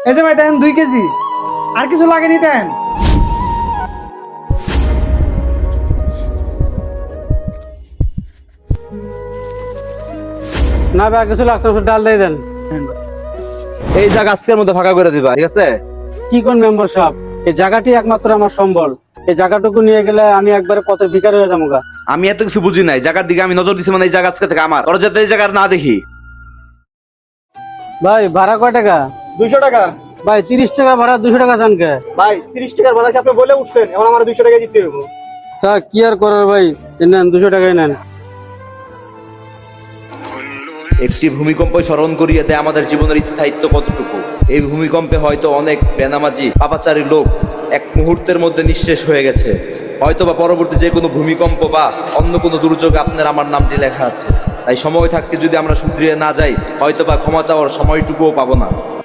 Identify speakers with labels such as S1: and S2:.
S1: এই যে ভাই দেখেন 2 কেজি, আর কিছু লাগেনি দেন।
S2: না ভাই কিছু লাগতো না, ডাল দিয়ে দেন।
S3: এই জায়গা আজকের মধ্যে ফাঁকা করে দিবা, ঠিক আছে?
S2: কি কোন মেম্বার সাহেব, এই জায়গাটি একমাত্র আমার সম্বল। এই জায়গাটুকু নিয়ে গেলে আমি একবারে পথের ভিখারি হয়ে যাবো গা।
S3: আমি এত কিছু বুঝি নাই, জায়গার দিকে আমি নজর দিছি মানে এই জায়গা আজকে থেকে আমার। ওরা যাতে এই জায়গা না দেখি।
S2: ভাই ভাড়া কয় টাকা?
S4: 200 টাকা।
S2: ভাই 30 টাকা ভাড়া, 200 টাকা চান কে?
S4: ভাই 30 টাকার ভাড়া কি আপনি বলে উঠছেন, এখন আমার 200 টাকা দিতে হবে।
S2: তা কি আর করার ভাই, নেন 200 টাকাই নেন।
S3: একটি ভূমিকম্প স্মরণ করিয়ে দেয় আমাদের জীবনের স্থায়িত্ব কতটুকু। এই ভূমিকম্পে হয়তো অনেক বেনামাজি পাপাচারী লোক এক মুহূর্তের মধ্যে নিঃশেষ হয়ে গেছে। হয়তো বা পরবর্তী যে কোনো ভূমিকম্প বা অন্য কোনো দুর্যোগে আপনার আমার নামটি লেখা আছে। তাই সময় থাকতে যদি আমরা শুধরিয়ে না যাই, হয়তো বা ক্ষমা চাওয়ার সময়টুকুও পাবো না।